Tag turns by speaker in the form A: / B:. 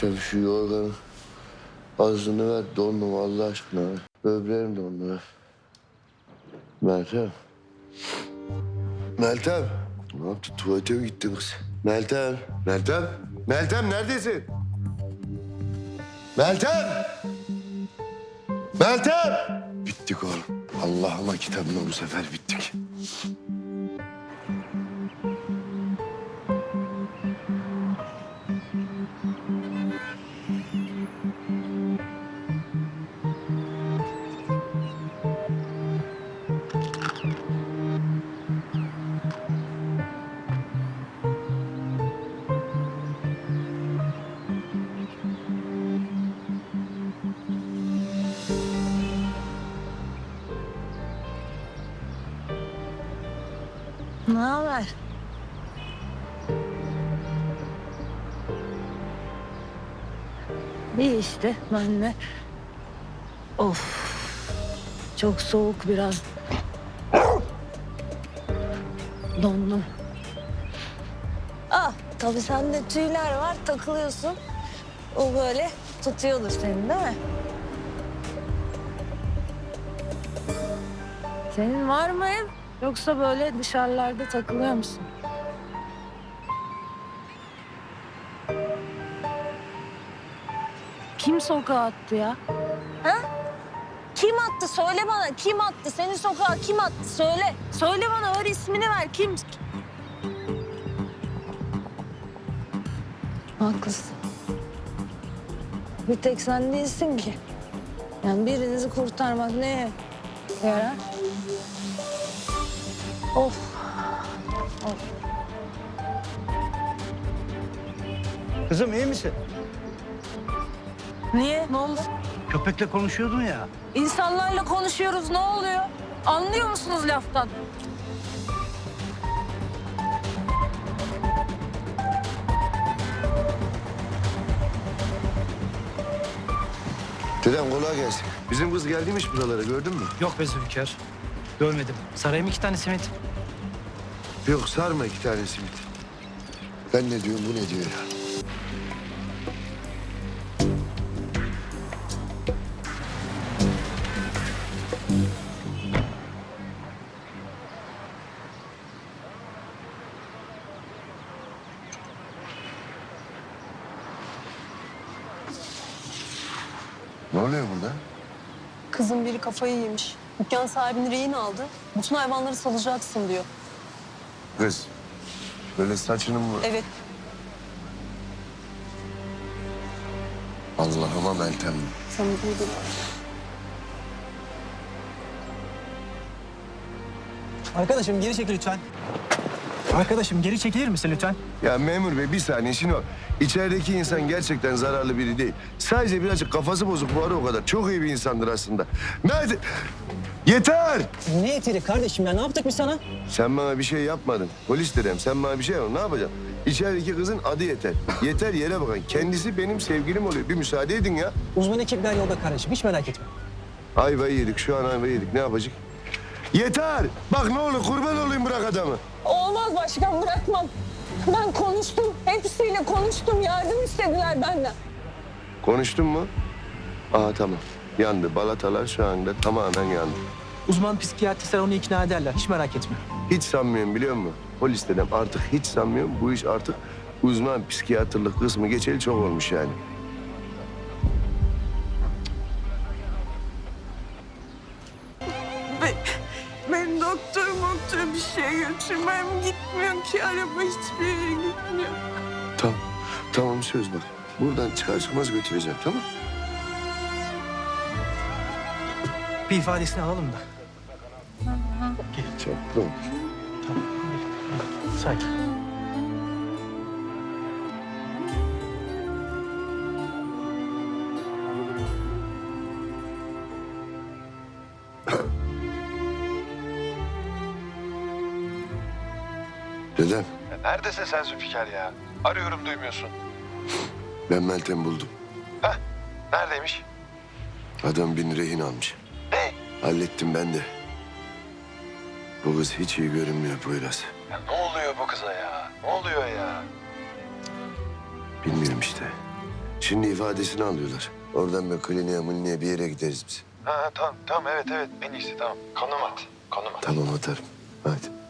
A: Meltem şu yorganın ağzını ver, dondum Allah aşkına. Böbreğim dondu. Meltem. Meltem. Ne yaptın? Tuvalete mi gittin kız? Meltem. Meltem. Meltem neredesin? Meltem. Meltem. Bittik oğlum. Allah'ıma kitabına bu sefer bittik.
B: Ne haber? İyi işte ben de. Of. Çok soğuk biraz. Dondum. Ah tabii sende tüyler var takılıyorsun. O böyle tutuyordur seni değil mi? Senin var mı ev? Yoksa böyle dışarılarda takılıyor musun? Kim sokağa attı ya? Ha? Kim attı? Söyle bana. Kim attı? Senin sokağa kim attı? Söyle. Söyle bana. Ver ismini ver. Kim? Haklısın. Bir tek sen değilsin ki. Yani birinizi kurtarmak neye yarar? Of. Of.
C: Kızım iyi misin?
B: Niye? Ne oldu?
C: Köpekle konuşuyordun ya.
B: İnsanlarla konuşuyoruz. Ne oluyor? Anlıyor musunuz laftan?
A: Dedem kolay gelsin. Bizim kız geldiymiş buralara gördün mü?
D: Yok be Zülker. Görmedim. Sarayım 2 tane simit.
A: Yok sarma 2 tane simit. Ben ne diyorum bu ne diyor ya? Ne oluyor burada?
E: Kızın biri kafayı yemiş. Dükkan sahibini rehin aldı. Bütün hayvanları salacaksın diyor.
A: Kız, böyle saçını mı?
E: Evet.
A: Allah'ıma Meltem.
E: Sana duydular.
D: Arkadaşım geri çekil lütfen. Arkadaşım geri çekilir misin lütfen?
A: Ya memur bey bir saniye şimdi o. İçerideki insan gerçekten zararlı biri değil. Sadece birazcık kafası bozuk bu ara o kadar. Çok iyi bir insandır aslında. Nerede? Yeter!
D: Ne yeteri kardeşim ya? Ne yaptık biz sana?
A: Sen bana bir şey yapmadın. Polis dedem sen bana bir şey yapmadın. Ne yapacaksın? İçerideki kızın adı Yeter. Yeter yere bakın. Kendisi benim sevgilim oluyor. Bir müsaade edin ya.
D: Uzman ekipler yolda kardeşim. Hiç merak etme.
A: Ayvayı yedik. Şu an ayvayı yedik. Ne yapacak? Yeter! Bak ne olur kurban olayım bırak adamı.
E: Olmaz başkan, bırakmam. Ben konuştum. Hepsiyle konuştum. Yardım istediler benden.
A: Konuştun mu? Aha tamam. Yandı. Balatalar şu anda tamamen yandı.
D: Uzman psikiyatristler onu ikna ederler. Hiç merak etme.
A: Hiç sanmıyorum biliyor musun? Polis dedem artık hiç sanmıyorum. Bu iş artık uzman psikiyatrlık kısmı geçeli çok olmuş yani.
F: Ben doktor bir şey götürmem gitmiyor ki araba hiçbir yere gitmiyor.
A: Tamam. Tamam söz bak. Buradan çıkar çıkmaz götüreceğim tamam.
D: Bir ifadesini alalım da.
A: Çok tamam.
D: Sakin.
A: Dedem
G: Neredesin sen Zülfikar ya? Arıyorum duymuyorsun.
A: ben Meltem'i buldum.
G: Heh, neredeymiş?
A: Adam beni rehin almış.
G: Ne?
A: Hallettim ben de. Bu kız hiç iyi görünmüyor Poyraz.
G: Ya ne oluyor bu kıza ya? Ne oluyor ya?
A: Bilmiyorum işte. Şimdi ifadesini alıyorlar. Oradan bir kliniğe bir yere gideriz biz.
G: Ha tamam evet en iyisi tamam. Konum at.
A: Tamam atarım. Hadi.